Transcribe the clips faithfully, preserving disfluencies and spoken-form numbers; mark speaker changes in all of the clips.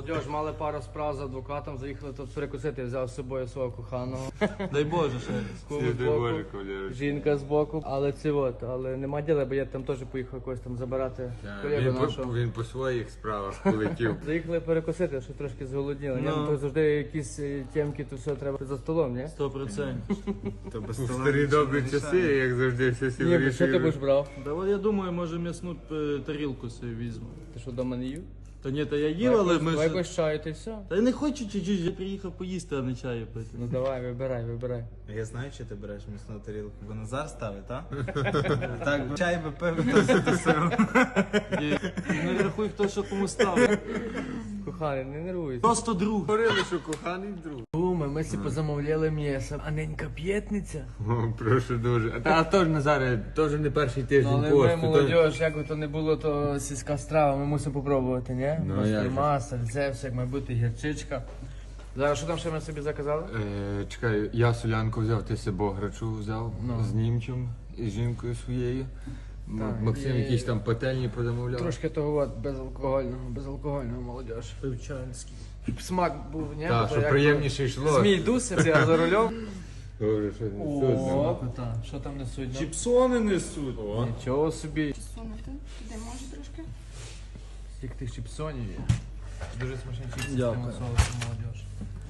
Speaker 1: Молодіж, мали пару справ з адвокатом, заїхали тут перекусити, взяв з собою свого коханого.
Speaker 2: Дай Боже, ще раз.
Speaker 1: Кому збоку, жінка збоку, але це от, але нема діла, бо я там теж поїхав когось там забирати колегу
Speaker 3: Він по,
Speaker 1: нашого.
Speaker 3: він по своїх справах полетів.
Speaker 1: Заїхали перекусити, що трошки зголодніли.
Speaker 2: Ну.
Speaker 1: Ну. То завжди якісь е, темки, то все треба за столом, ні?
Speaker 2: Сто процентів.
Speaker 3: У старі добрі часи, як завжди, все всі
Speaker 1: Ні, бо що ти будеш
Speaker 3: вирішують.
Speaker 1: брав?
Speaker 2: Да, от я думаю, може м'ясну е, тарілку собі візьму.
Speaker 1: Ти що, дома не їв?
Speaker 2: Та ні, та я їв, але ми
Speaker 1: Давай
Speaker 2: ж...
Speaker 1: якось чаю, ти все.
Speaker 2: Та я не хочу чуть-чуть, я приїхав поїсти, а не чаю пити.
Speaker 1: Ну давай, вибирай, вибирай.
Speaker 4: Я знаю, що ти береш м'ясну тарілку, бо Назар ставить, так? Так, чай би пив, то все то сиро.
Speaker 2: І не рахуй, хто що кому ставить.
Speaker 1: Коханий, не нервуйся.
Speaker 2: Просто друг.
Speaker 3: Говорили, що коханий друг.
Speaker 1: Ми, ми си позамовляли м'ясо. А ненька п'ятниця.
Speaker 3: О, прошу дуже. А, та, а теж Назаре, теж не перший
Speaker 1: Ну,
Speaker 3: тиждень
Speaker 1: але
Speaker 3: посту.
Speaker 1: ми,
Speaker 3: то-
Speaker 1: молодіж, як би то не було, то сільська страва, ми мусимо попробувати, ні?
Speaker 3: Ну,
Speaker 1: Масло,
Speaker 3: як же.
Speaker 1: маса, сальце, все, як має бути, гірчичка. Зараз що там ще ми собі заказали?
Speaker 3: Е, чекай, я солянку взяв, ти себе бограчу взяв
Speaker 1: Ну.
Speaker 3: з німчем і з жінкою своєю. М-
Speaker 1: Так,
Speaker 3: Максим
Speaker 1: і-
Speaker 3: якісь там пательні позамовляв.
Speaker 1: Трошки того от, безалкогольного, безалкогольного, молодіж.
Speaker 2: Пивчанський.
Speaker 1: Щоб смак був, ні?
Speaker 3: Так,
Speaker 1: Бо
Speaker 3: щоб
Speaker 1: як
Speaker 3: приємніше йшло.
Speaker 1: Змій дуси, а за рулем.
Speaker 3: Добре, що не
Speaker 1: О, що там несуть? ну?
Speaker 2: Чіпсони несуть.
Speaker 1: Нічого собі.
Speaker 5: Сунути. Туди може трошки?
Speaker 1: Скільки тих чіпсонів є. Дуже смачні чіпси з
Speaker 2: Дякую.
Speaker 1: тим соусом, молодіж.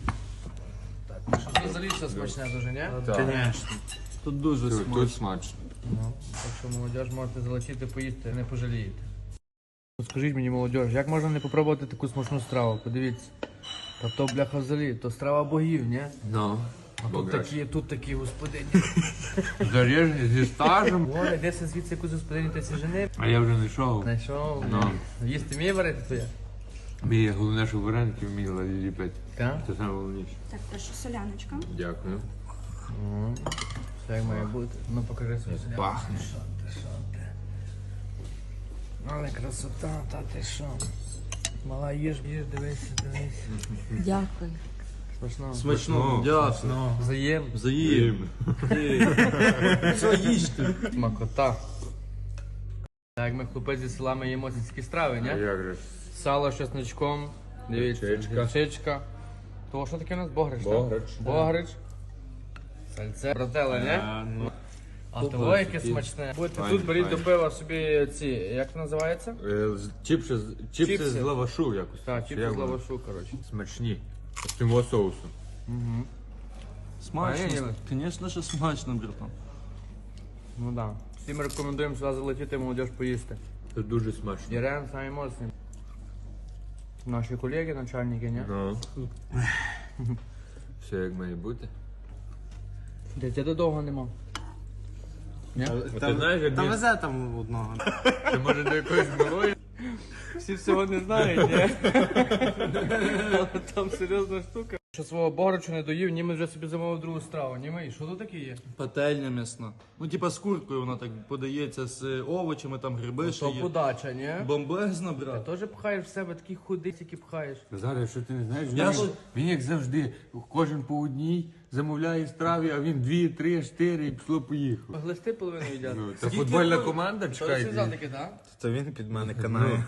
Speaker 1: Так, ну що тут взагалі все смачне дуже, ні?
Speaker 4: Звісно.
Speaker 2: Тут дуже
Speaker 3: Тут,
Speaker 2: смачно.
Speaker 3: тут смачно.
Speaker 1: Ну, так що молодіж можете залетіти, поїсти, не пожалієте. Ну, скажіть мені, молодіж, як можна не попробувати таку смачну страву? Подивіться. Та то бляха взагалі, то страва богів, ні?
Speaker 3: Ну,
Speaker 1: А тут такі, тут такі господині.
Speaker 3: заріжні зі стажем.
Speaker 1: Горе, де це звідси якусь господині ти жени?
Speaker 3: А я вже не йшов.
Speaker 1: Знайшов.
Speaker 3: Ну.
Speaker 1: Їсти вміє варити твоя?
Speaker 3: Мій головне, що вареники вміла ліпити.
Speaker 1: Так?
Speaker 3: Це найголовніше.
Speaker 5: Так, прошу соляночка.
Speaker 3: Дякую.
Speaker 1: Все як має бути. Ну покажи свою селянку.
Speaker 3: Пахне.
Speaker 1: Що ти, що ти? Але красота, та ти що? Мала їж, їж, дивись, дивись.
Speaker 5: Дякую.
Speaker 1: Смачно.
Speaker 2: Смачно. Дякую.
Speaker 1: Взаєм.
Speaker 2: Заїм. Що їжте?
Speaker 1: Смакота. Так, ми хлопець зі села, ми їмо сільські страви,
Speaker 3: А
Speaker 1: ні?
Speaker 3: як же ж?
Speaker 1: Сало з чесночком. Дивіться,
Speaker 3: Гірчичка.
Speaker 1: гірчичка. То що таке у нас? Богрич, так?
Speaker 3: Богрич.
Speaker 1: Богрич. Сальце. Брателе, ні?
Speaker 3: ну.
Speaker 1: А того яке смачне. Будете
Speaker 3: Файне,
Speaker 1: тут, беріть
Speaker 3: файне.
Speaker 1: до пива собі ці, як це називається?
Speaker 3: Е, з- Чіпси, з- чіпси
Speaker 1: Чіпси.
Speaker 3: з лавашу якось.
Speaker 1: Так,
Speaker 3: Чи
Speaker 1: чіпси
Speaker 3: як
Speaker 1: з
Speaker 3: воно?
Speaker 1: лавашу, коротше.
Speaker 3: Смачні. З цим соусом.
Speaker 2: Смачно.
Speaker 1: Правильно?
Speaker 2: Звісно, що смачно, братан.
Speaker 1: Ну да. Всім рекомендуємо сюди залетіти, молодіж поїсти.
Speaker 3: Це дуже смачно.
Speaker 1: Єрен самі моцні. Наші колеги, начальники, ні?
Speaker 3: Ну. Все як має бути.
Speaker 1: Дитя довго нема. Ні?
Speaker 3: А ти знаєш, як
Speaker 4: Та
Speaker 3: він-
Speaker 4: везе там одного.
Speaker 3: Чи може до якоїсь малої?
Speaker 1: Всі всього не знають, ні? Але там серйозна штука. Що свого бограчу не доїв, німи вже собі замовив другу страву. Німий, що тут таке є?
Speaker 2: Пательня м'ясна. Ну, типа з куркою вона так подається з е, овочами, там гриби ще
Speaker 1: То
Speaker 2: є.
Speaker 1: подача, ні?
Speaker 2: Бомбезна,
Speaker 1: Ти
Speaker 2: брат.
Speaker 1: теж пхаєш в себе такі худи, які пхаєш.
Speaker 3: Зараз, що ти не знаєш,
Speaker 2: Я
Speaker 3: він,
Speaker 2: ж-
Speaker 3: він як завжди, кожен по одній замовляє страві, а він дві, три, чотири і пішло поїхав.
Speaker 1: Глисти половину їдять.
Speaker 3: Ну, це футбольна команда,
Speaker 1: Що
Speaker 3: чекай.
Speaker 1: ти сказав таке, так?
Speaker 4: То він під мене канає.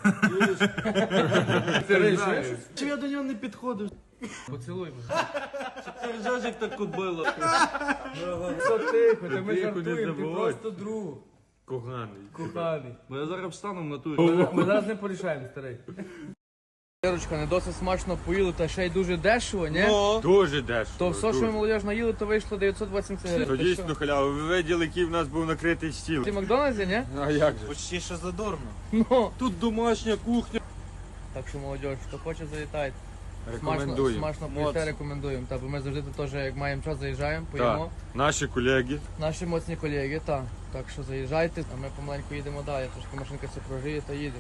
Speaker 3: Ти знаєш.
Speaker 2: Чи я до нього не підходив?
Speaker 1: Поцілуй мене.
Speaker 2: Ти ржеш, як так кобило.
Speaker 1: Що тихо, та ми
Speaker 3: Тихо, не
Speaker 1: жартуємо, ти
Speaker 3: заводь.
Speaker 1: просто друг.
Speaker 3: Коханий.
Speaker 1: Коханий.
Speaker 2: Бо я зараз встану в натурі.
Speaker 1: Ми, ми зараз не порішаємо, старий. Ірочка, не досить смачно поїли, та ще й дуже дешево, ні?
Speaker 3: Дуже дешево.
Speaker 1: То все, що
Speaker 3: дуже.
Speaker 1: ми молодіж наїли, то вийшло дев'ятсот вісімдесят
Speaker 3: То
Speaker 1: гривень. Ти
Speaker 3: дійсно
Speaker 1: що?
Speaker 3: халява. Ви виділи, який в нас був накритий стіл.
Speaker 1: Ти в Макдональдсі, ні?
Speaker 3: А як же?
Speaker 4: Почти що задорно.
Speaker 1: Ну.
Speaker 2: Тут домашня кухня.
Speaker 1: Так що молодіж, хто хоче, завітайте. Смачно,
Speaker 3: Рекомендуємо.
Speaker 1: смачно поїсти,
Speaker 2: Моцно.
Speaker 1: рекомендуємо. Та, бо ми завжди тут теж, як маємо час, заїжджаємо,
Speaker 3: Так,
Speaker 1: поїмо.
Speaker 3: наші колеги.
Speaker 1: Наші моцні колеги, так. Так що заїжджайте, а ми помаленьку їдемо далі. Трошки машинка все прогріє та їде.